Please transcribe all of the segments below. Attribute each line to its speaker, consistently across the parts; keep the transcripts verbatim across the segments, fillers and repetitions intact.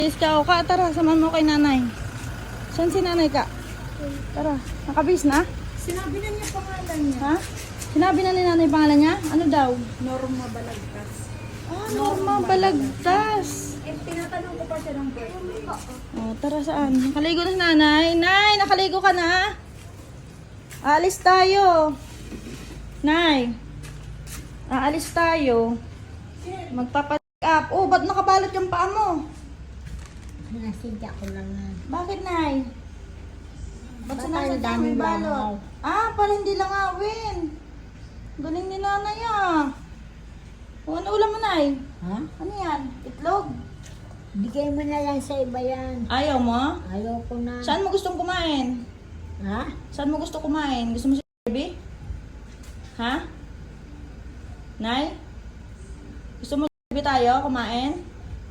Speaker 1: Is ka o ka, tara, samahan mo kay nanay. Saan si nanay ka? Tara, nakabis na?
Speaker 2: Sinabi na niya pangalan niya.
Speaker 1: Ha? Sinabi na ni nanay pangalan niya? Ano daw?
Speaker 2: Norma Balagtas.
Speaker 1: Ah, Norma Balagtas.
Speaker 2: Eh, tinatanong ko pa siya ng birthday.
Speaker 1: Oh, tara saan? Nakaligo na si nanay. Nay, nakaligo ka na? Aalis tayo. Nay, aalis tayo. Magpapacheck up. Oh, ba't nakabalot yung paa mo?
Speaker 2: Nasidya ko lang na.
Speaker 1: Bakit, Nay? Ba't
Speaker 2: Baka
Speaker 1: sinasadya
Speaker 2: ang daming
Speaker 1: mo yung balot?
Speaker 2: langaw.
Speaker 1: Ah, para hindi langawin. Galing ni nanay ah. O, ano ulam mo, Nay?
Speaker 2: Ha?
Speaker 1: Ano yan? Itlog?
Speaker 2: Bigay mo na lang sa iba yan.
Speaker 1: Ayaw mo?
Speaker 2: Ayoko na.
Speaker 1: Saan mo gustong kumain?
Speaker 2: Ha?
Speaker 1: Saan mo gusto kumain? Gusto mo si Barbie? Ha? Nay? Gusto mo si Barbie tayo kumain?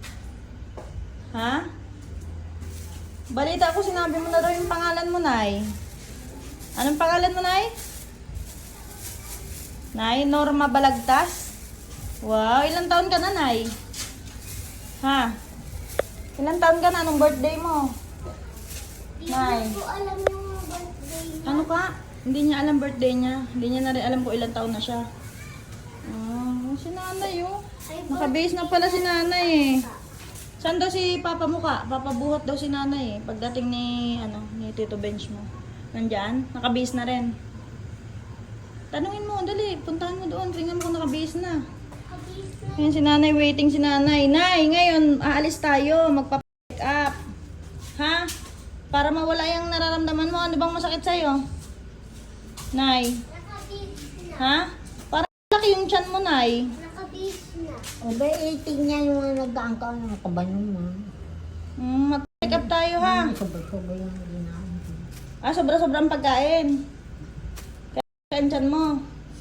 Speaker 1: Ha? Balita ko sinabi mo na daw yung pangalan mo, Nay. Anong pangalan mo, Nay? Nay, Norma Balagtas? Wow, ilang taon ka na, Nay? Ha? Ilang taon ka na? Anong birthday mo? Nay.
Speaker 3: Hindi ko alam yung birthday niya.
Speaker 1: Ano ka? Hindi niya alam birthday niya. Hindi niya na rin alam kung ilang taon na siya. Oh, si nanay oh. Nakabase na pala si nanay eh. Saan daw si papa mo ka? Papabuhat daw si nanay eh. Pagdating ni, ano, ni Tito Bench mo. Nandyan? Nakabase na rin. Tanungin mo, dali. Puntahan mo doon. Tingnan mo kung nakabase na. Ayan si nanay, waiting si nanay. Nay, ngayon, aalis tayo. Magpa-pick up. Ha? Para mawala yung nararamdaman mo. Ano bang masakit sa'yo? Nay.
Speaker 3: Nakabis na.
Speaker 1: Ha? Para laki yung tiyan mo, Nay.
Speaker 3: Nakabis na.
Speaker 2: O ba, iting niya yung mga nag-aangkaw ng kabanong mo.
Speaker 1: Mm, mag-pick up tayo, ha?
Speaker 2: Sabay-sabay yung ginaan ko.
Speaker 1: Ah, sobra-sobrang pagkain. Kaya yung tiyan mo.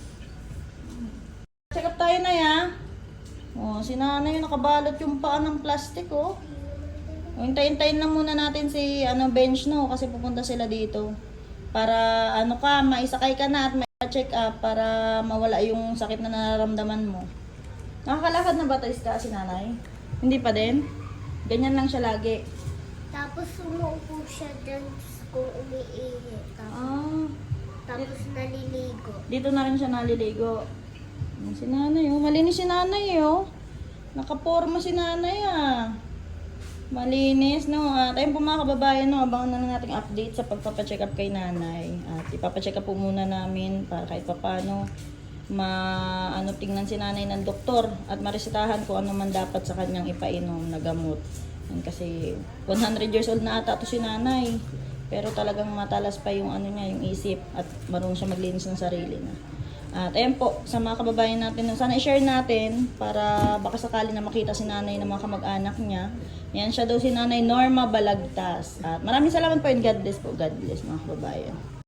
Speaker 1: Check up tayo, Nay, ha? Oh, si nanay nakabalot yung paa ng plastic, oh. O, hintayin-tayin lang muna natin si ano bench no kasi pupunta sila dito. Para ano ka, maisakay ka na at ma-check up para mawala yung sakit na nararamdaman mo. Nakakalakad na ba tayo ka si nanay? Hindi pa din? Ganyan lang siya lagi.
Speaker 3: Tapos sumuupo siya dyan kung umiihi. Tapos,
Speaker 1: Ah,
Speaker 3: tapos naliligo.
Speaker 1: dito na rin siya naliligo. Ayan si nanay, oh. Malinis si nanay, oh. Nakaporma si nanay, ah. Malinis, no? At ayun po mga kababayan, no? Abangan na lang nating update sa pagpapacheck up kay nanay. At ipapacheck up po muna namin para kahit papano ma ano tingnan si nanay ng doktor at maresetahan kung ano man dapat sa kanyang ipainom na gamot. Yan, kasi one hundred years old na ata to si nanay. Pero talagang matalas pa yung ano niya, yung isip at marunong siya maglinis ng sarili na. At ayan po, sa mga kababayan natin, sana i-share natin para baka sakali na makita si nanay ng mga kamag-anak niya. Yan siya daw si nanay Norma Balagtas. At maraming salamat po and God bless po. God bless mga kababayan.